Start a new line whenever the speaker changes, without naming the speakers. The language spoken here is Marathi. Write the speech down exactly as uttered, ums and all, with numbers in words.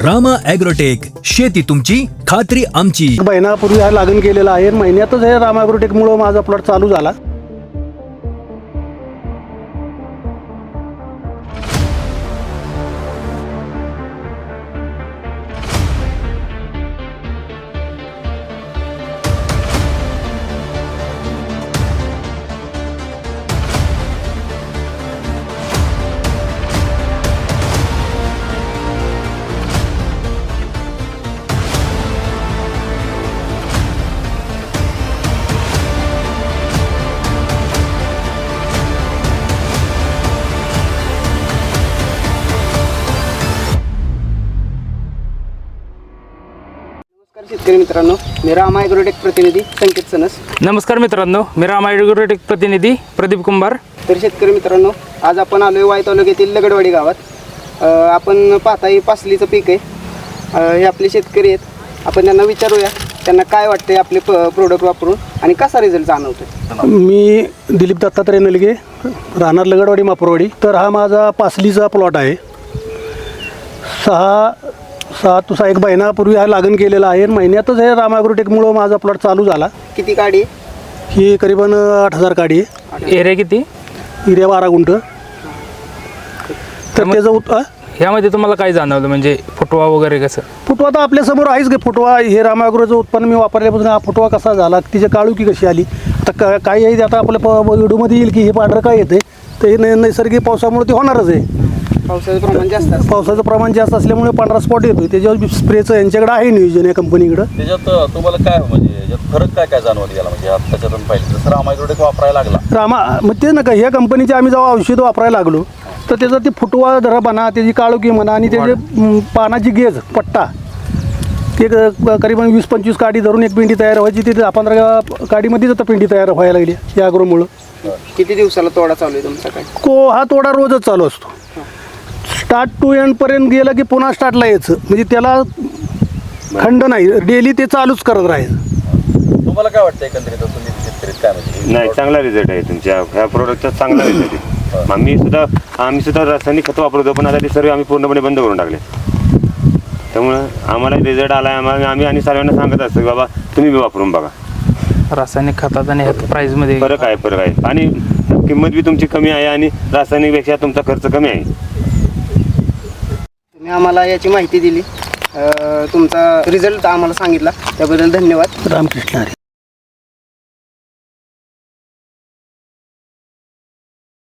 रामा ॲग्रोटेक, शेती तुमची खात्री आमची.
महिन्यापूर्वी हा लागण केलेला आहे. महिन्यातच हे रामा ॲग्रोटेकमुळे माझा प्लॉट चालू झाला.
शेतकरी मित्रांनो, मी रामा ॲग्रोटेक प्रतिनिधी संकेत सनस.
नमस्कार मित्रांनो, मी रामा ॲग्रोटेक प्रतिनिधी प्रदीप कुंभार.
तर शेतकरी मित्रांनो, आज आपण आलो आहे वाई तालुक्यातील लगडवाडी गावात. अ, आपण पाहता हे पासलीचं पीक आहे. अ, हे आपले शेतकरी आहेत. आपण त्यांना विचारूया त्यांना काय वाटते आपले प प्रोडक्ट वापरून आणि कसा रिझल्ट जाणवतो.
मी दिलीप दत्तात्रय नलगे, राहणार लगडवाडी मापूरवाडी. तर हा माझा पासलीचा प्लॉट आहे. सहा सहा तुसा एक महिन्यापूर्वी हा लागण केलेला आहे. महिन्यातच हे रामा ॲग्रोटेकमुळे माझा प्लॉट चालू झाला.
किती काडी आहे?
ही करीबन आठ हजार काडी आहे.
एरिया किती?
एरिया बारा गुंठ. तर त्याचं उत आ?
ह्यामध्ये तुम्हाला काय जाणवलं, म्हणजे फुटवा वगैरे कसं?
फुटवा तर आपल्यासमोर आहेच की. फुटवा हे रामा ॲग्रोचं उत्पन्न मी वापरल्यापासून हा फुटवा कसा झाला, तिची काळुकी कशी आली. आता का काही आहे आता आपल्या प व्हिडिओमध्ये येईल की हे पांढरं काय येते, तर हे नै नैसर्गिक पावसामुळे ते होणारच आहे.
पावसाचं प्रमाण जास्त असतं.
पावसाचं प्रमाण जास्त असल्यामुळे पांढरा स्पॉट येतो. त्याच्यावर स्प्रेचं यांच्याकडे आहे नियोजन या कंपनीकडं.
त्याच्यात तुम्हाला काय म्हणजे याच्यात फरक काय काय जाणवत गेला, म्हणजे आता त्याच्यातून पाहिजे जसं रामा ॲग्रोटेक वापरायला लागला
रामा मग ते नका ह्या कंपनीचे आम्ही जेव्हा औषध वापरायला लागलो तर त्याचा ते फुटवा जरा म्हणा, त्याची काळोखी म्हणा आणि त्याचे म, पानाची गेज पट्टा ते क- करीबन वीस पंचवीस काडी धरून एक पिंडी तयार व्हायची. ते दहा पंधरा काडीमध्येच आता पिंडी तयार व्हायला लागली या अग्रोमुळं.
किती दिवसाला तोडा चालू आहे तुमचा काय?
को हा तोडा रोजच चालू असतो. स्टार्ट टू एंडपर्यंत गेलं की पुन्हा स्टार्टला यायचं, म्हणजे त्याला खंड नाही, डेली ते चालूच करत राहायचं.
तुम्हाला काय वाटतं एकंदरीत तुम्ही शेतकरीत काय म्हणजे
नाही, चांगला रिझल्ट आहे तुमच्या ह्या प्रोडक्टचा. चांगला रिझल्ट आहे. आम्ही सुद्धा आम्ही सुद्धा रासायनिक खतं वापरतो, पण आता ते सर्व आम्ही पूर्णपणे बंद करून टाकले. त्यामुळं आम्हाला रिझल्ट आला आहे. आम्हाला आम्ही आणि सर्वांना सांगत असतो की बाबा तुम्ही बी वापरून बघा.
रासायनिक खतात आणि ह्यात प्राईजमध्ये
फरक आहे फरक आहे आणि किंमत बी तुमची कमी आहे आणि रासायनिकपेक्षा तुमचा खर्च कमी आहे.
तुम्ही आम्हाला याची माहिती दिली, अ, तुमचा रिझल्ट आम्हाला सांगितला त्याबद्दल धन्यवाद.
रामकृष्ण हरी.